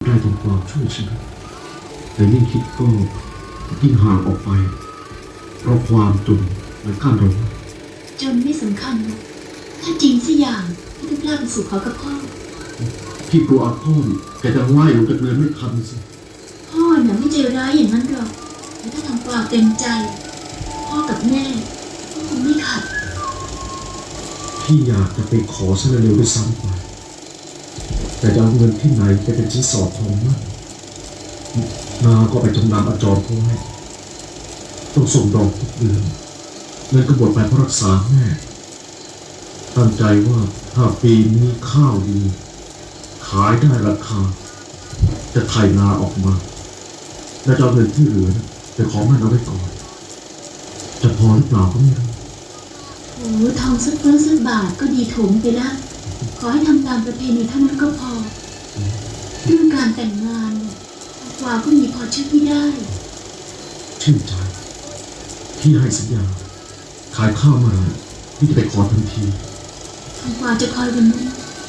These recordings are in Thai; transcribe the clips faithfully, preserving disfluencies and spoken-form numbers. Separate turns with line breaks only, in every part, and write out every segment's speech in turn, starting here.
ได้ถึงความช่วยชีวิตแต่ยิ่งคิดก็ยิ่งห่างออกไปเพราะความจนและการรบ
จนไม่สำคัญนะถ้าจริงสักอย่างที่ต้องกล้าไปสู่เขากับพ่อ
พี่กลัวอาพ่อแกจะว่ายลงจากเรือไม่ทันสิ
พ่อน่ะไม่ใจร้ายอย่างนั้นหรอกแต่ถ้าทำความเต็มใจพ่อกับแม่ก็คงไม่ขัด
พี่อยากจะไปขอเสนอเร็วด้วยซ้ำไปแต่จะเอาเงินที่ไหนไปเป็นชิ้นสอดทองมั่นนาก็ไปจำนำอาจอมเขาไว้ต้องส่งดอกทุกเดือนเงินก็หมดไปเพราะรักษาแม่ตั้งใจว่าถ้าปีนี้ข้าวดีขายได้ราคาจะไถนาออกมาและจะเอาเงินที่เหลือไปขอมันเอาไว้ก่อนจะพอหรือเปล่าก็ไม่รู้
โอ้ทองสักเฟื้อสักบาทก็ดีถมไปแล้วขอให้ทำตามประเพณีเท่านั้นก็พอเรื่องการแต่งงานเนี่ยกว่าก็มีพอชื่อพี่ได้
ชื่นใจพี่ให้สัญญาขายข้าวมาพี่จะไปขอทันที
ทำกว่าจะคอยวันนั้น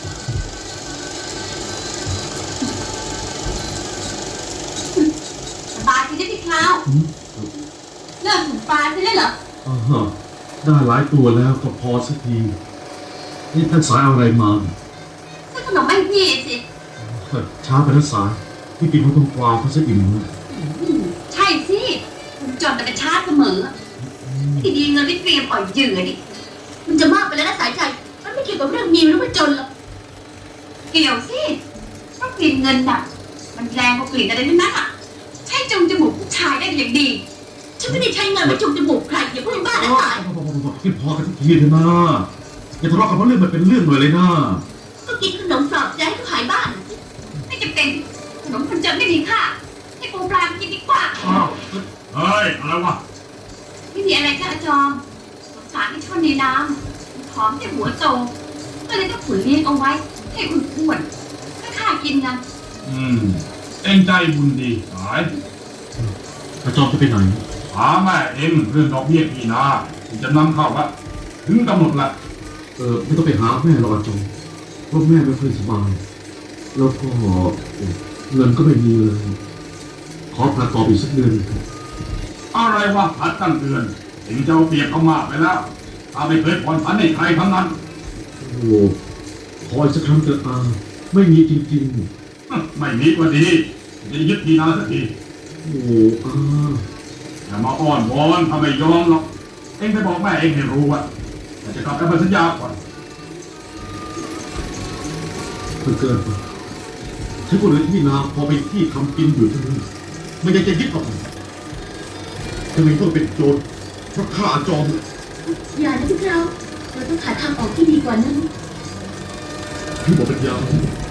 สบายทีได้พี่คราวเลิกถึงปลาใช่ไหมเหรอ
อ๋อได้หลายตัวแล้วก็พอสักทีนี่ท่านสายเอาอะไรมา
ซื้อขนมให้พี่สิ
ช้าไปท่านสายพี่กินเขาต้องกวาวเขาซะอิ่มเลย
ใช่สิคุณจนแต่เป็นชาติเสมอที่ดีเงินไม่เตรียมอ่อยเหยื่อดิ
มันจะมากไปแล้วนะสายใจมันไม่เกี่ยวกับเรื่องมีหรือว่าจนหรอก
เกี่ยวสิเพราะกลิ่นเงินน่ะมันแรงกว่ากลิ่นอะไรทั้งนั้นอ่ะใช่จงจมูกผู้ชายได้อย่างดี
ฉันไม่ได้ใช้เงินไปจุกจมูกใครอย่าพูดบ้านะสาย
พี่พอกันทุกทีเถอะนะอย่าทะเลาะกันเพราะเรื่องมันเป็นเรื่องหน่อยเลยนะ
ก็กินขนมปลอบใจให้เขาขายบ้าน
ไม่จำเป็นขนมคนจนไม่มีค่าให้ปูปลากินดีกว่า
อ้าวเฮ้ยอะไรวะ
ไม่มีอะไรจ้าอาจอมสงสารที่ชนในน้ำผอมแต่หัวโตก็เลยต้องขุนเลี้ยงเอาไว้ให้คุณอ้วนก็ค่ากินกัน
อืมเอ็งใจบุญดีสาย
อาจอมจะไปไหน
หาแม่เอ็งเรื่องดอกเบี้ยพี่นาที่จะนำเข้าละถึงกำหนดละ
เออไม่ต้องไปหาแม่หรอกอาจอมเพราะแม่ไม่ค่อยสบายแล้วก็เงินก็ไม่มีเลยขอผ่าต่ออีกสักเดือน
อะไรวะพัดตั้งเดือนเอ็งจะเอาเปรียบเขามากไปแล้วถ้าไม่เคยผ่อนผันให้ใครทั้งนั้น
โอ้ขออีกสักครั้งเถอะอาไม่มีจริง
ๆไม่มีก็ดีจะยึดพี่นาสักที
โอ้อา
อย่ามาอ้อนวอนทำไมยอมหรอกเอ็งไปบอกแม่เอ็งให้รู้ว่าจะกลับไปสัญญาก่อน
เกินเกินไปฉันก็เลยที่นาพอไปที่ทำกินอยู่ที่นี่ไม่อยากจะยึดออกทำไมต้องเป็นโจรเพราะข้าจอม
อย่านะพี่เราเราต้องหาทางออกที่ดีกว่านั้น
พี่บอกเป็นยา